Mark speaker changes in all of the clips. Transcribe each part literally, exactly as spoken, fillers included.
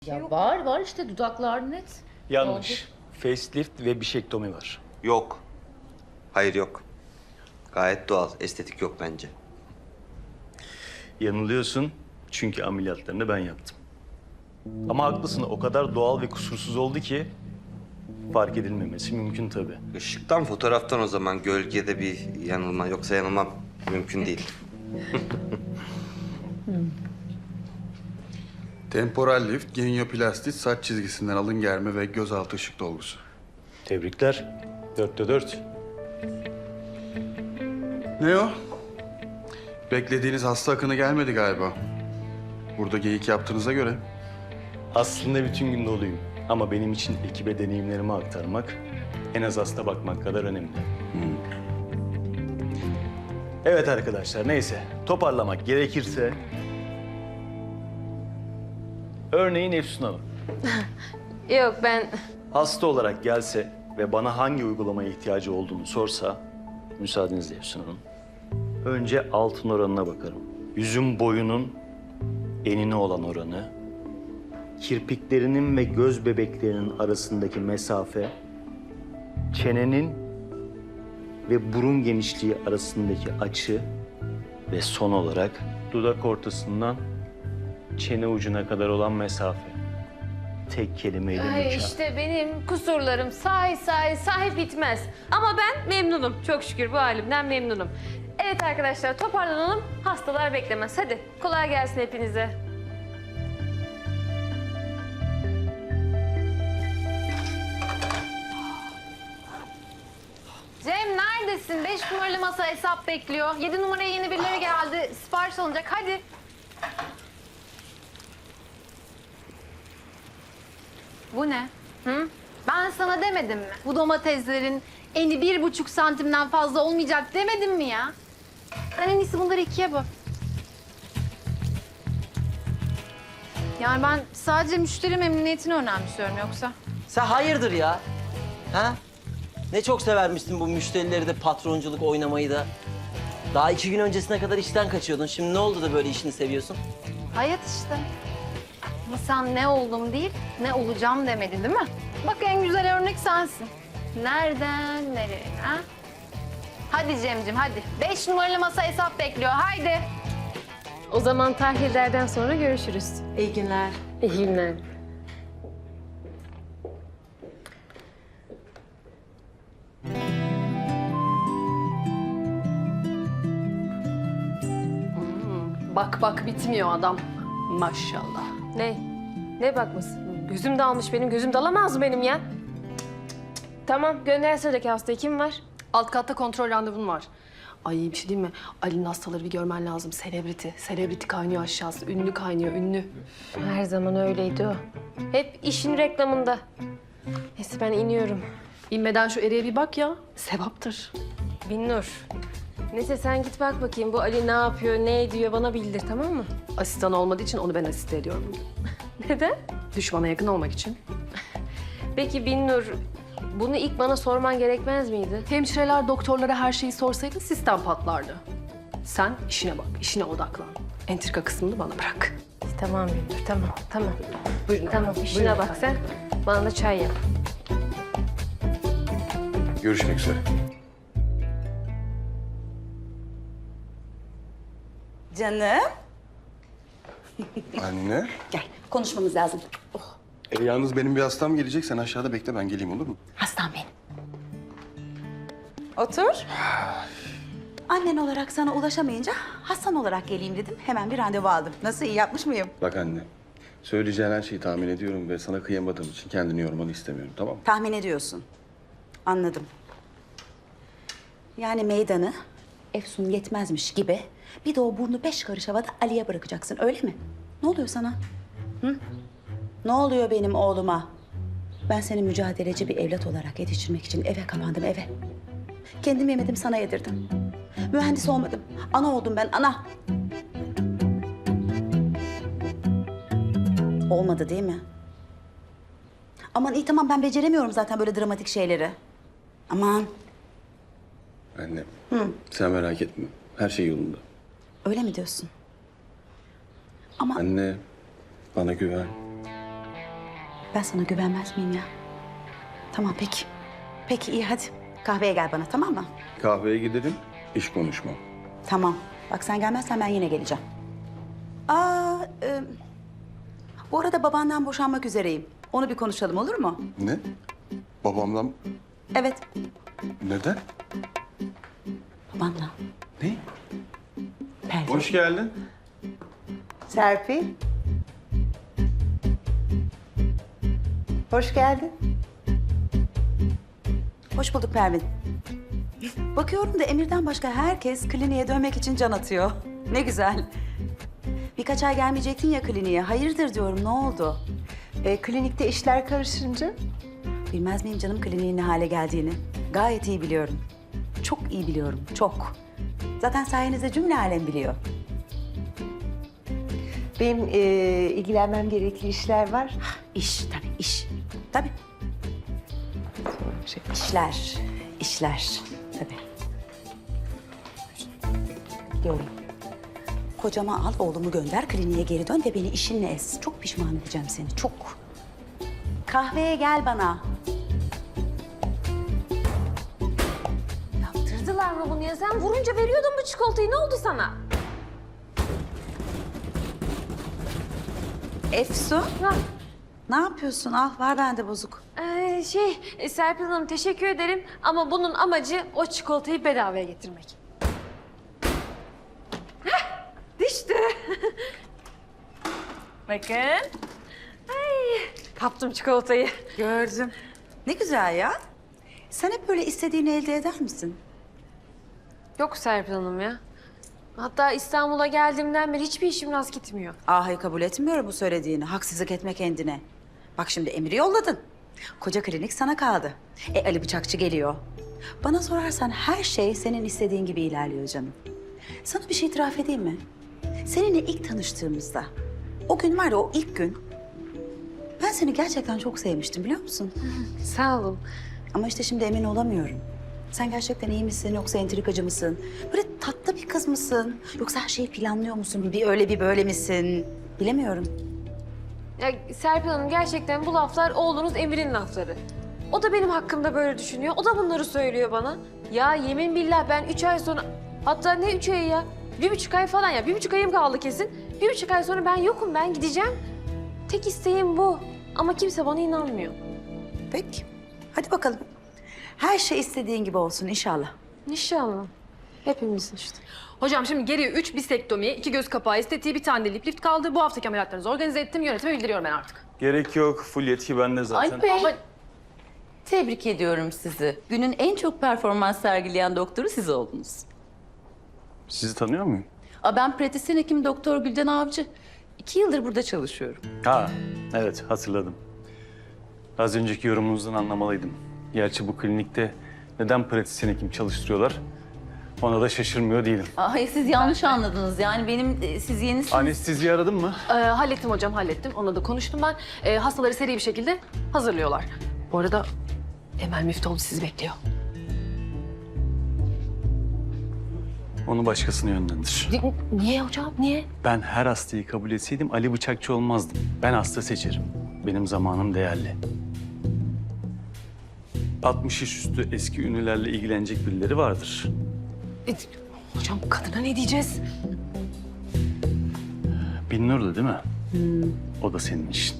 Speaker 1: Ya var var işte dudaklar net.
Speaker 2: Yanlış. Facelift ve bişektomi var.
Speaker 3: Yok. Hayır yok. Gayet doğal. Estetik yok bence.
Speaker 2: Yanılıyorsun çünkü ameliyatlarını ben yaptım. Ama haklısın, o kadar doğal ve kusursuz oldu ki fark edilmemesi mümkün tabii.
Speaker 3: Işıktan, fotoğraftan o zaman gölgede bir yanılma. Yoksa yanılmam mümkün değil.
Speaker 4: Temporal lift, genioplastit, saç çizgisinden alın germe ve gözaltı ışık dolgusu.
Speaker 2: Tebrikler. Dörtte dört.
Speaker 4: Ne o? Beklediğiniz hasta akını gelmedi galiba. Burada geyik yaptığınıza göre.
Speaker 2: Aslında bütün gün doluyum. Ama benim için ekibe deneyimlerimi aktarmak en az hasta bakmak kadar önemli. Evet arkadaşlar, neyse. Toparlamak gerekirse... Örneğin Efsun Hanım.
Speaker 5: Yok ben...
Speaker 2: Hasta olarak gelse ve bana hangi uygulamaya ihtiyacı olduğunu sorsa... Müsaadenizle Efsun Hanım. Önce altın oranına bakarım. Yüzün boyunun enine olan oranı... Kirpiklerinin ve göz bebeklerinin arasındaki mesafe... Çenenin ve burun genişliği arasındaki açı... Ve son olarak dudak ortasından çene ucuna kadar olan mesafe. Tek kelimeyle
Speaker 5: Ay
Speaker 2: mükemmel.
Speaker 5: işte benim kusurlarım say say say bitmez. Ama ben memnunum. Çok şükür bu halimden memnunum. Evet arkadaşlar toparlanalım. Hastalar beklemez. Hadi kolay gelsin hepinize. Cem neredesin? Beş numaralı masa hesap bekliyor. Yedi numaraya yeni birileri geldi. Sipariş alınacak. Hadi. Bu ne? Hı? Ben sana demedim mi? Bu domateslerin eni bir buçuk santimden fazla olmayacak demedim mi ya? Sen en iyisi bunları ikiye böl. Yani ben sadece müşteri memnuniyetini önemsiyorum yoksa.
Speaker 6: Sen hayırdır ya? Ha? Ne çok severmiştin bu müşterileri de patronculuk oynamayı da. Daha iki gün öncesine kadar işten kaçıyordun. Şimdi ne oldu da böyle işini seviyorsun?
Speaker 5: Hayat işte. Ama sen ne oldum değil, ne olacağım demedin değil mi? Bak en güzel örnek sensin. Nereden nereye ha? Hadi Cemcim hadi. Beş numaralı masa hesap bekliyor. Haydi. O zaman tahlillerden sonra görüşürüz.
Speaker 6: İyi günler.
Speaker 5: İyi günler.
Speaker 7: Bak bak bitmiyor adam. Maşallah.
Speaker 5: Ne? Ne bakması? Gözüm dalmış benim. Gözüm dalamaz mı benim ya? Cık, cık, cık. Tamam gönder sıradaki hastayı. Kim var?
Speaker 7: Alt katta kontrol randevun var. Ay bir şey diyeyim mi? Ali'nin hastaları bir görmen lazım. Selebriti. Selebriti kaynıyor aşağısı. Ünlü kaynıyor, ünlü.
Speaker 5: Her zaman öyleydi o. Hep işin reklamında. Neyse ben iniyorum.
Speaker 7: İnmeden şu eriye bir bak ya. Sevaptır.
Speaker 5: Binnur. Neyse sen git bak bakayım. Bu Ali ne yapıyor, ne ediyor bana bildir tamam mı?
Speaker 7: Asistan olmadığı için onu ben asiste ediyorum.
Speaker 5: Neden?
Speaker 7: Düşmana yakın olmak için.
Speaker 5: Peki Binnur, bunu ilk bana sorman gerekmez miydi?
Speaker 7: Hemşireler doktorlara her şeyi sorsaydı sistem patlardı. Sen işine bak, işine odaklan. Entrika kısmını bana bırak.
Speaker 5: Tamam Binnur, tamam, tamam.
Speaker 7: Buyurun.
Speaker 5: Tamam, işine bak sen. Bana da çay yap.
Speaker 4: Görüşmek üzere.
Speaker 8: Canım.
Speaker 4: Anne.
Speaker 8: Gel konuşmamız lazım.
Speaker 4: E, yalnız benim bir hastam gelecek. Sen aşağıda bekle, ben geleyim, olur mu?
Speaker 8: Hastam benim. Otur. Annen olarak sana ulaşamayınca hastan olarak geleyim dedim. Hemen bir randevu aldım. Nasıl, iyi yapmış mıyım?
Speaker 4: Bak anne, söyleyeceğin her şeyi tahmin ediyorum ve sana kıyamadığım için kendini yormanı istemiyorum, tamam mı?
Speaker 8: Tahmin ediyorsun. Anladım. Yani meydanı Efsun yetmezmiş gibi bir de o burnu beş karış havada Ali'ye bırakacaksın, öyle mi? Ne oluyor sana? Hı? Ne oluyor benim oğluma? Ben seni mücadeleci bir evlat olarak yetiştirmek için eve kapandım, eve. Kendim yemedim, sana yedirdim. Mühendis olmadım. Ana oldum ben, ana. Olmadı değil mi? Aman iyi tamam, ben beceremiyorum zaten böyle dramatik şeyleri. Aman.
Speaker 4: Anne, Hı. sen merak etme. Her şey yolunda.
Speaker 8: Öyle mi diyorsun? Ama
Speaker 4: Anne, bana güven.
Speaker 8: Ben sana güvenmez miyim ya? Tamam peki. Peki iyi hadi. Kahveye gel bana tamam mı?
Speaker 4: Kahveye gidelim, iş konuşmam.
Speaker 8: Tamam. Bak sen gelmezsen ben yine geleceğim. Aa, e, bu arada babandan boşanmak üzereyim. Onu bir konuşalım olur mu?
Speaker 4: Ne? Babamdan
Speaker 8: Evet.
Speaker 4: neden?
Speaker 8: Babanla.
Speaker 4: Ne?
Speaker 8: Pervin.
Speaker 4: Hoş geldin.
Speaker 9: Serpil. Hoş geldin.
Speaker 8: Hoş bulduk Pervin. Bakıyorum da Emir'den başka herkes kliniğe dönmek için can atıyor. Ne güzel. Birkaç ay gelmeyecektin ya kliniğe. Hayırdır diyorum ne oldu?
Speaker 9: E, klinikte işler karışınca
Speaker 8: Bilmez miyim canım kliniğin ne hale geldiğini? Gayet iyi biliyorum. Çok iyi biliyorum, çok. Zaten sayenizde cümle alem biliyor.
Speaker 9: benim e, ilgilenmem gerekli işler var.
Speaker 8: İş tabii, iş. Tabii.
Speaker 9: Şey,
Speaker 8: İşler, işler. Tabii. Gidiyorum. Kocama al, oğlumu gönder, kliniğe geri dön ve beni işinle ez. Çok pişman edeceğim seni, çok. Kahveye gel bana.
Speaker 5: Yaptırdılar mı bunu ya? Sen vurunca veriyordun bu çikolatayı. Ne oldu sana?
Speaker 8: Efsun,
Speaker 5: Ha,
Speaker 8: ne yapıyorsun? Al, var bende bozuk.
Speaker 5: ee, şey e, Serpil Hanım teşekkür ederim ama bunun amacı o çikolatayı bedavaya getirmek. Heh, düştü. Bakın. Ay, kaptım çikolatayı.
Speaker 8: Gördüm. Ne güzel ya. Sen hep böyle istediğini elde eder misin?
Speaker 5: Yok Serpil Hanım ya. Hatta İstanbul'a geldiğimden beri hiçbir işim rast gitmiyor.
Speaker 8: Ah, hayır kabul etmiyorum bu söylediğini. Haksızlık etme kendine. Bak şimdi Emir'i yolladın. Koca klinik sana kaldı. E Ali Bıçakçı geliyor. Bana sorarsan her şey senin istediğin gibi ilerliyor canım. Sana bir şey itiraf edeyim mi? Seninle ilk tanıştığımızda, o gün var ya o ilk gün... Ben seni gerçekten çok sevmiştim biliyor musun?
Speaker 5: Sağ olun.
Speaker 8: Ama işte şimdi emin olamıyorum. Sen gerçekten iyi misin yoksa entrikacı mısın? Böyle tatlı bir kız mısın? Yoksa her şeyi planlıyor musun? Bir öyle bir böyle misin? Bilemiyorum.
Speaker 5: Ya Serpil Hanım gerçekten bu laflar oğlunuz Emir'in lafları. O da benim hakkımda böyle düşünüyor. O da bunları söylüyor bana. Ya yemin billah ben üç ay sonra... Hatta ne üç ayı ya? Bir buçuk ay falan ya. Bir buçuk ayım kaldı kesin. Bir buçuk ay sonra ben yokum. Ben gideceğim. Tek isteğim bu. Ama kimse bana inanmıyor.
Speaker 8: Peki. Hadi bakalım. Her şey istediğin gibi olsun inşallah.
Speaker 5: İnşallah. Hepimizin işte.
Speaker 7: Hocam şimdi geriye üç bistektomi, iki göz kapağı estetiği, bir tane de lip lift kaldı. Bu haftaki ameliyatlarınızı organize ettim. Yönetime bildiriyorum ben artık.
Speaker 2: Gerek yok. Full yetki bende zaten.
Speaker 10: Alp Bey,
Speaker 7: Ama
Speaker 10: tebrik ediyorum sizi. Günün en çok performans sergileyen doktoru siz oldunuz.
Speaker 2: Sizi tanıyor muyum?
Speaker 10: Aa, ben pratisyen hekim Doktor Gülden Avcı. İki yıldır burada çalışıyorum.
Speaker 2: Ha, evet hatırladım. Az önceki yorumunuzdan anlamalıydım. Gerçi bu klinikte neden pratisyen hekim çalıştırıyorlar? Ona da şaşırmıyor değilim.
Speaker 10: Aa, hayır, siz yanlış anladınız. Yani benim e, siz yenisiniz.
Speaker 2: Anesteziyi aradın mı?
Speaker 7: e, hallettim hocam, hallettim. Onunla da konuştum ben. E, hastaları seri bir şekilde hazırlıyorlar. Bu arada Emel Müftüoğlu sizi bekliyor.
Speaker 2: Onu başkasına yönlendir.
Speaker 7: Ni- Niye hocam, niye?
Speaker 2: Ben her hastayı kabul etseydim Ali Bıçakçı olmazdım. Ben hasta seçerim. Benim zamanım değerli. altmış yaş üstü eski ünlülerle ilgilenecek birileri vardır.
Speaker 7: E, hocam kadına ne diyeceğiz?
Speaker 2: Binnur da değil mi? O da senin işin.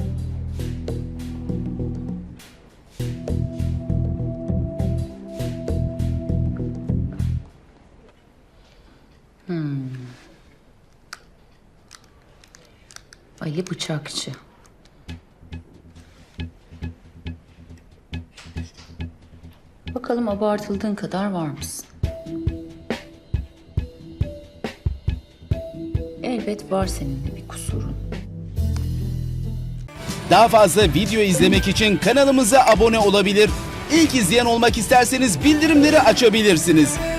Speaker 10: Ali Bıçakçı. Bakalım abartıldığın kadar var mısın? Elbet var senin de bir kusurun.
Speaker 11: Daha fazla video izlemek için kanalımıza abone olabilir. İlk izleyen olmak isterseniz bildirimleri açabilirsiniz.